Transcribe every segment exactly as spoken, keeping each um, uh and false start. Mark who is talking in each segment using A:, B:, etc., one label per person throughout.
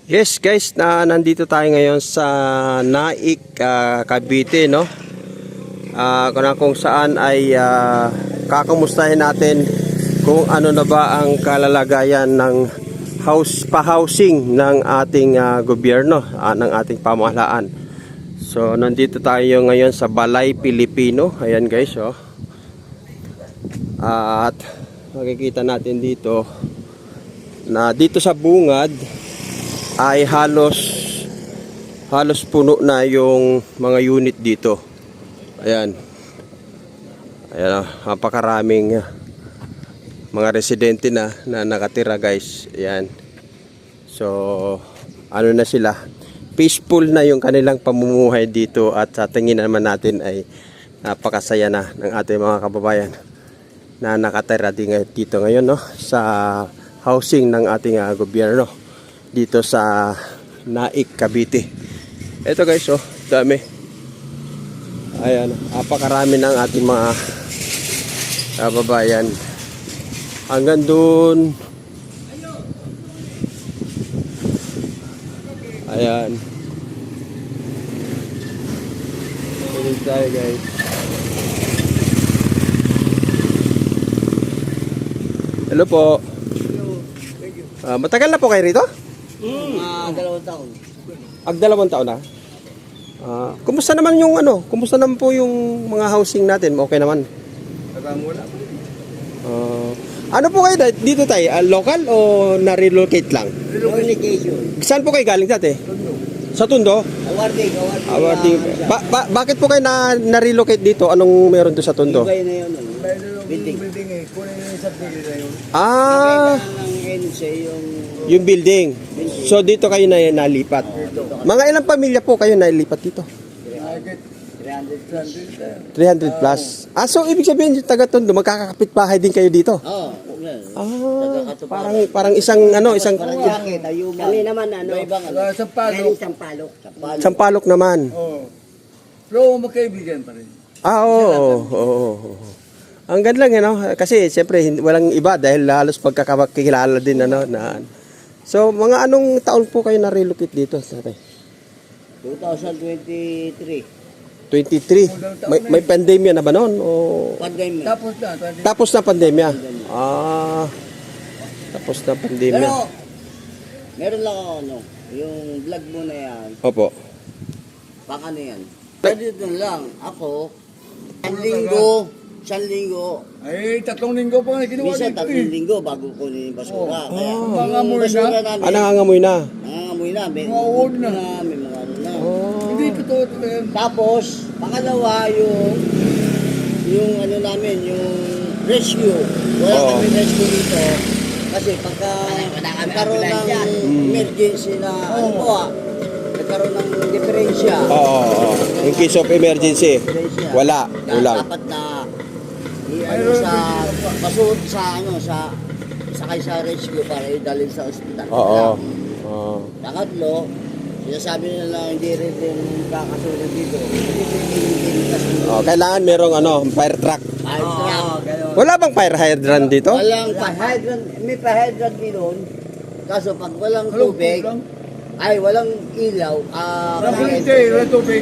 A: Yes guys, na nandito tayo ngayon sa Naik, uh, Cavite, no? Uh, kung, kung saan ay uh, kakumustahin natin kung ano na ba ang kalalagayan ng house pa-housing ng ating uh, gobyerno, uh, ng ating pamahalaan. So nandito tayo ngayon sa Balay Pilipino. Ayan guys, oh. Uh, at makikita natin dito na dito sa bungad ay halos halos puno na yung mga unit dito. Ayan. Ayan, napakaraming mga residente na na nakatira guys. Ayan. So, ano na sila? Peaceful na yung kanilang pamumuhay dito at sa tingin naman natin ay napakasaya na ng ating mga kababayan na nakatira dito ngayon, no, sa housing ng ating uh, gobyerno dito sa Naik, Cavite. Ito guys, oh, dami. Ayan, napakarami ng ating mga kababayan. Hanggang doon. Ayan. Ito tayo guys. Hello po. Uh, matagal na po kayo rito?
B: Mm. Uh, dalawang taon.
A: Ag dalawang taon na? Uh, kumusta naman yung ano? Kumusta naman po yung mga housing natin? Okay naman?
B: Wala pa.
A: Uh, ano po kayo dito tayo? Uh, local o na-relocate lang?
B: Relocation.
A: Saan po kayo galing dati?
B: Tundo.
A: Sa Tundo?
B: Awarding, awarding.
A: Awarding. Ba ba bakit po kayo na na-relocate dito? Anong meron doon sa Tundo?
B: Ibay na yun. Ano?
C: Building. Building eh. Kunin yung sa building na yun.
A: Ah,
B: Nakailan ng N C yung...
A: yung building. So dito kayo na nalipat. Mga ilang pamilya po kayo nalipat dito?
B: three hundred.
A: three hundred plus. Ah, so ibig sabihin yung taga Tondo, magkakapit bahay din kayo dito?
B: Oo.
A: Ah, parang parang isang ano, isang
B: Parang jacket, ayuman. Kami naman ano. Ibang ano.
C: Sa Palo.
B: Galing Sampalok. Sampalok.
A: Sampalok naman.
C: Oo. Pero magkaibigan pa rin.
A: Ah, oo. oo, oo, oo. Ang ganda lang, ano, kasi siyempre hin- walang iba dahil halos pagkakakilala din ano na. So, mga anong taon po kayo na-relocate dito, tatay?
B: twenty twenty-three.
A: twenty-three. May, may pandemya na ba noon o
B: Pandemic.
C: Tapos na. twenty
A: tapos na pandemya? Ah. Tapos na pandemya.
B: Pero, meron lang ako ano, yung vlog mo na yan,
A: Opo.
B: baka na yan. Pwede doon lang, ako, isang linggo, isang linggo,
C: Ay, tatlong linggo pa nga kinuha
B: minsan
C: dito
B: tatlong
C: eh.
B: linggo bago kunin yung basura.
C: Oh.
B: Kaya,
C: Oh.
B: yung
C: Mga amoy
B: basura
C: na?
B: namin,
A: Ah, nangangamoy na.
B: nangangamoy na, may
C: Mga uod na.
B: may mga ano na.
A: Oh.
C: Hindi totoo ito yan.
B: Tapos, pangalawa yung, yung ano namin, yung rescue. Wala
A: Oo.
B: kami rescue dito. Kasi pagka nagkaroon ng emergency na, ano po ah, nagkaroon ng diferensya.
A: Oo, oo, oo. In case of emergency,
B: Diferensya.
A: wala,
B: Da-
A: kulang.
B: Dapat na i ano sa pasuot sa ano sa sakay sa rescue para idalhin sa ospital.
A: Oo. Oo.
B: Pangatlo, sinasabi nila na hindi rin din kakasunod dito. Hindi din kasunod.
A: Oh, kailangan merong ano, fire truck.
B: Fire truck.
A: Wala bang fire hydrant dito?
B: Walang pa-hydrant, may pa-hydrant din doon. Kaso pag walang tubig, ay walang ilaw, ah,
C: Tubig,
B: pa-hydrant.
C: wala tubig.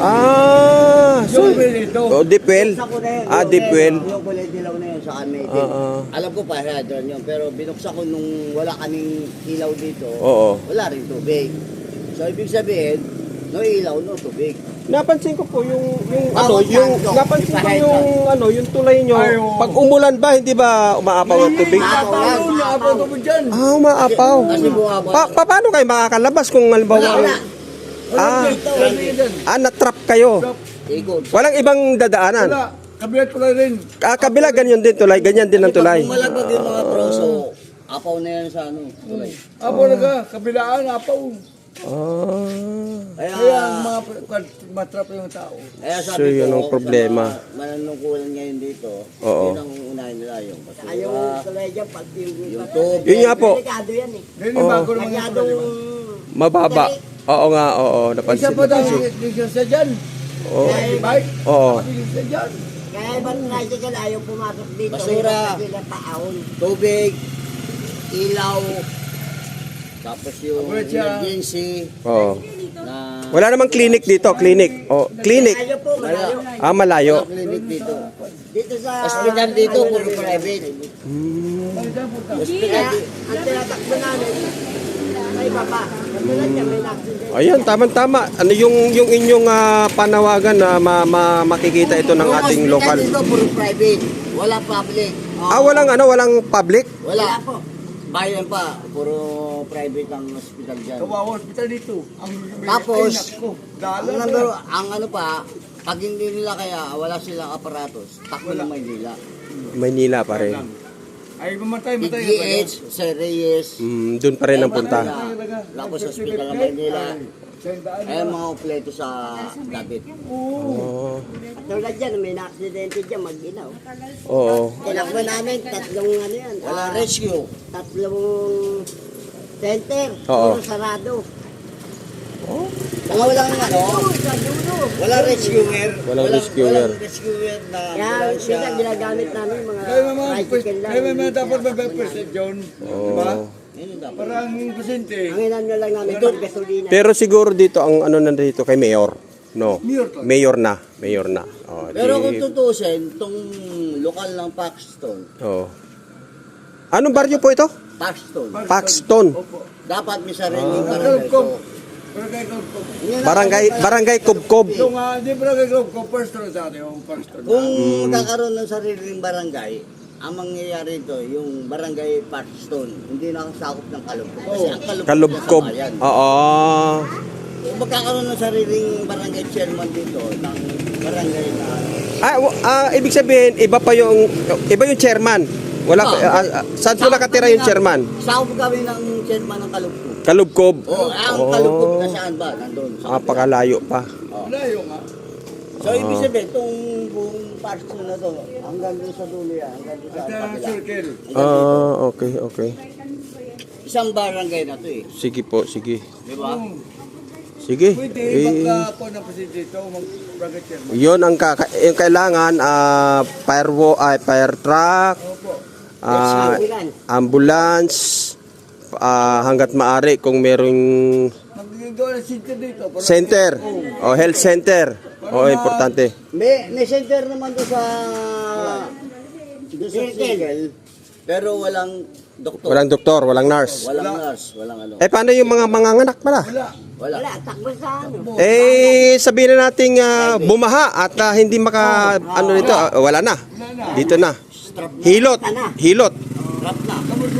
A: Ah, so,
C: Yung tubig dito.
A: oh, deep well.
B: Binuksan ko na yun,
A: Ah,
B: yung-
A: deep well.
B: Yung kulay dilaw na yun sa amin.
A: Oo.
B: Alam ko pa hydrant yun, pero binuksan ko nung wala kaming ilaw dito,
A: Oo.
B: wala rin tubig. So ibig sabihin, no ilaw, no tubig.
A: Napansin ko po yung yung ano,
B: Bawat
A: yung
B: kanto,
A: napansin ko
B: may
A: yung ano, yung tulay nyo.
C: Ay, oo.
A: Pag umulan ba, hindi ba umaapaw ang tubig?
B: Maapaw yan,
C: Paano na
B: maapaw.
C: ako dyan?
A: Ah, umaapaw.
B: Kasi bumabaw.
A: Pa, pa paano kayo makakalabas kung halimbawa
B: Wala, wala.
A: Ah,
B: Dito,
C: Wala dyan.
A: ah, na-trap kayo.
B: ikot.
A: Walang ibang dadaanan.
C: Wala. Kabilat ko lang rin.
A: Ah, kabila ganyan din tulay, ganyan din ang tulay.
B: Pag malaglag yung mga proso, apaw na yan sa ano, tulay.
C: Apo na ka. Kabilaan, apaw.
A: Ah.
B: Kaya,
C: Kaya ang mga matrap yung tao.
B: kaya
A: So,
B: sabi
A: yun
B: ko,
A: ang problema.
B: sa mga mananungkulan ngayon dito,
A: Oo.
B: yun ang unahin nila yung basura.
D: Ayaw tulay dyan pag yung
B: Yung tubig.
A: Yun nga po,
D: delikado yan eh.
C: Then
A: Oo.
C: yung bago naman yung
D: Masyadong
C: problema.
A: mababa. Oo nga, oo,
C: Isa
A: napansin.
C: pa daw,
A: napansin.
C: hindi siya dyan.
A: Oo.
C: Bike,
A: Oo.
C: hindi siya dyan.
D: kaya ibang tricycle ayaw pumasok dito.
B: Basura.
D: Kasi sila taon.
B: Tubig, ilaw, Tapos yung
C: Abot siya.
B: emergency
A: Oo.
B: na
A: Wala namang clinic dito, clinic. Oh, clinic.
D: Malayo po, malayo.
A: Ah, malayo.
B: clinic dito.
D: Dito sa...
B: Hospital dito, puro private.
D: Kaya, ang tinatakbo namin, may baba. Katulad niya, may accident.
A: Ayun, tama-tama. Ano yung yung inyong ah, panawagan na ma- ma- makikita ito ng
B: Yung
A: ating
B: hospital
A: lokal.
B: dito, puro private. Wala public.
A: Ah, walang ano, walang public?
B: Wala. Bayan pa, puro private ang hospital dyan.
C: Kawawa hospital dito. Ang
B: Tapos,
C: Ay, naku,
B: Ang,
C: dala
B: number, ang ano pa, pag hindi nila kaya, wala silang aparatos, takbo ng Maynila.
A: Maynila pa rin.
C: Ay, mamatay,
B: P
C: matay.
B: G H, Sir Reyes,
A: Mm, doon pa rin ang punta.
B: Lapos Hospital ng Maynila. Ay, mga kompleto sa David.
A: Oo.
D: Katulad dyan, may na-accidente dyan, mag-inaw.
A: Oo.
D: Tinakbo namin, tatlong ano yan.
B: Wala
D: ah,
B: rescue.
D: Tatlong center.
A: Oo.
D: Puro sarado.
B: Mga walang ano,
D: Sa dulo.
B: wala rescuer.
A: Walang rescuer.
B: Walang rescuer na
D: Kaya
B: ambulansya.
D: minsan ginagamit namin mga
C: Kaya naman,
D: tricycle lang.
C: kaya naman dapat mabay-present yun. Diba?
A: Oo.
B: Yun yung dapat.
C: Para ang presente.
D: Ang inan nyo lang namin, ito, gasolina.
A: Pero siguro dito ang ano nandito kay Mayor. No.
C: Mayor to.
A: Mayor na, Mayor na. Oh,
B: Pero
A: di-
B: kung tutusin, itong lokal ng Paxton,
A: Oo. Anong baryo po ito?
B: Paxton,
A: Paxton.
C: Opo.
B: dapat may sariling
C: Pero
B: barangay.
C: kung,
B: So,
C: pero kaya kung, kung,
B: yun ang-
A: Barangay Barangay Kubkob.
C: yung, ah, di ba kaya kung, kung first to sa atin, yung first to.
B: Kung
A: Mm.
B: magkakaroon ng sariling barangay, ang mangyayari ito, yung barangay Paxton, hindi nakasakop ng Kalubkob. Kasi ang Kalubkob,
A: Kalubkob.
B: nasa bayan.
A: Oo.
B: Kung magkakaroon ng sariling barangay chairman dito, ng barangay na...
A: Ah, w- ah, ibig sabihin iba pa yung iba yung chairman. Wala
B: Oh,
A: ah, ah, saan po nakatira yung chairman?
B: Sakop kami ng chairman ng Kalubkob.
A: Kalubkob.
B: Oh, ang
A: Oh.
B: Kalubkob na saan ba? Nandun. sa
A: Ah, pakalayo pa.
B: Oh.
C: Layo nga.
B: So, ibig sabihin, itong buong Paxton na to, hanggang doon sa dulo yan, hanggang doon sa
C: At uh,
B: kapila.
C: circle.
A: Ah, okay, okay.
B: Isang barangay na to eh.
A: Sige po, sige.
B: Di ba?
A: Sige.
C: Pwede,
A: Eh,
C: magka po ng presidente dito, mag-bracket chairman.
A: yun ang kaka- yung kailangan ah fire wo- ay fire truck,
C: Opo.
A: ah,
D: Ambulance.
A: ambulance ah, hanggat maaari kung merong
C: Mag-gawa ng center dito. para-
A: center o health center. O importante.
B: May, may center naman doon sa... Doon sa circle, pero walang doktor.
A: Walang doktor, walang nurse.
B: Walang nurse, walang ano.
A: Eh paano yung mga manganganak pala?
C: Wala.
B: Wala.
D: Wala, takbo sa ano.
A: Eh sabihin na nating ah, bumaha at ah, hindi maka ano dito, ah, wala na. Dito na. Hilot. Hilot.
B: Rap na.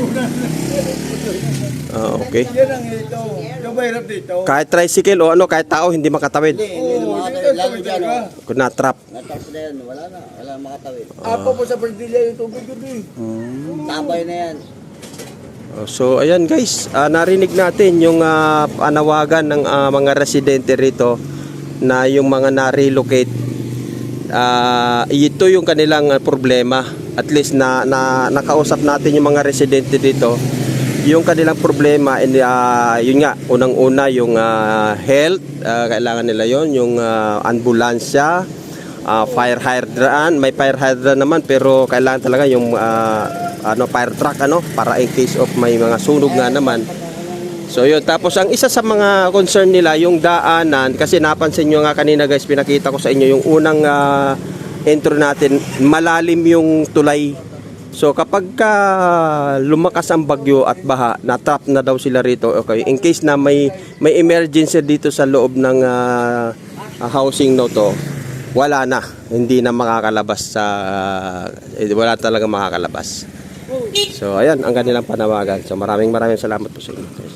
A: Ah, okay.
C: Yan ang ito. Yung mahirap dito.
A: Kahit tricycle o ano, kahit tao hindi makatawid.
B: Hindi, hindi na
C: Oo,
B: makatawid.
C: dito
B: Lalo dyan,
C: talaga.
B: oh.
A: Kung na-trap.
B: Natapos na yan, wala na. Wala na makatawid.
C: Apo po sa Perdilla yung tubig yun eh.
B: Tabay na yan.
A: Oh, so ayan guys, ah, narinig natin yung ah, panawagan ng ah, mga residente rito na yung mga na-relocate. Ah, ito yung kanilang ah, problema. At least na, na nakausap natin yung mga residente dito. Yung kanilang problema, and, ah, yun nga, unang-una yung ah, health, ah, kailangan nila yon, yung ah, ambulansya, ah, fire hydrant, may fire hydrant naman pero kailangan talaga yung ah, ano fire truck ano para in case of may mga sunog nga naman. So yun, tapos ang isa sa mga concern nila yung daanan, kasi napansin nyo nga kanina guys, pinakita ko sa inyo yung unang ah, intro natin, malalim yung tulay. So kapag ka lumakas ang bagyo at baha, na-trap na daw sila rito. Okay, in case na may may emergency dito sa loob ng ah, ah, housing no to, wala na, hindi na makakalabas sa eh, wala talaga makakalabas. So ayan ang kanilang panawagan. So maraming maraming salamat po sa inyo guys.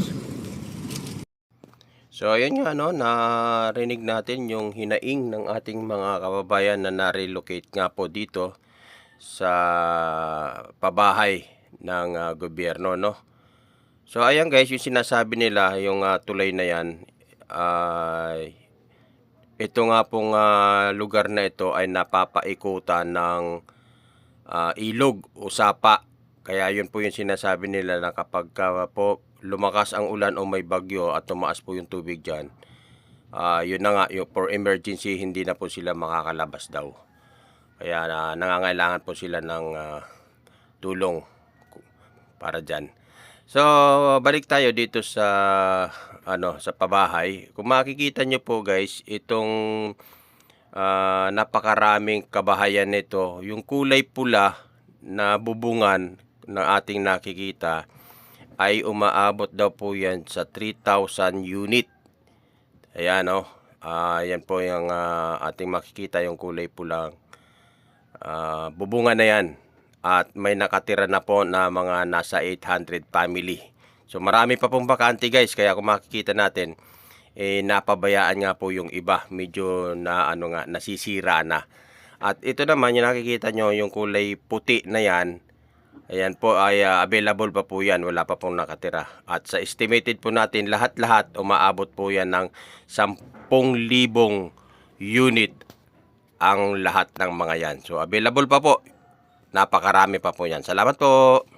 A: So ayan nga no, narinig natin yung hinaing ng ating mga kababayan na na-relocate nga po dito sa pabahay ng ah, gobyerno no. So ayan guys, yung sinasabi nila yung ah, tulay na yan ay ito nga pong ah, lugar na ito ay napapaikutan ng ah, ilog o sapa. Kaya yun po yung sinasabi nila na kapag ka po lumakas ang ulan o may bagyo at tumaas po yung tubig dyan, ah, yun na nga, yung for emergency hindi na po sila makakalabas daw. Kaya na nangangailangan po sila ng ah, tulong para dyan. So, balik tayo dito sa ano, sa pabahay. Kung makikita nyo po guys, itong ah, napakaraming kabahayan nito, yung kulay pula na bubungan na ating nakikita ay umaabot daw po yan sa three thousand unit. Ayan o. Ah, yan po yung ah, ating makikita yung kulay pulang ah, bubungan na yan. At may nakatira na po na mga nasa eight hundred family. So marami pa pong bakante guys. Kaya kung makikita natin, eh, napabayaan nga po yung iba. Medyo na ano nga, nasisira na. At ito naman yung nakikita nyo, yung kulay puti na yan. Ayan po ay uh, available pa po yan. Wala pa pong nakatira. At sa estimated po natin, lahat-lahat umaabot po yan ng ten thousand unit ang lahat ng mga yan. So available pa po. Napakarami pa po yan. Salamat po.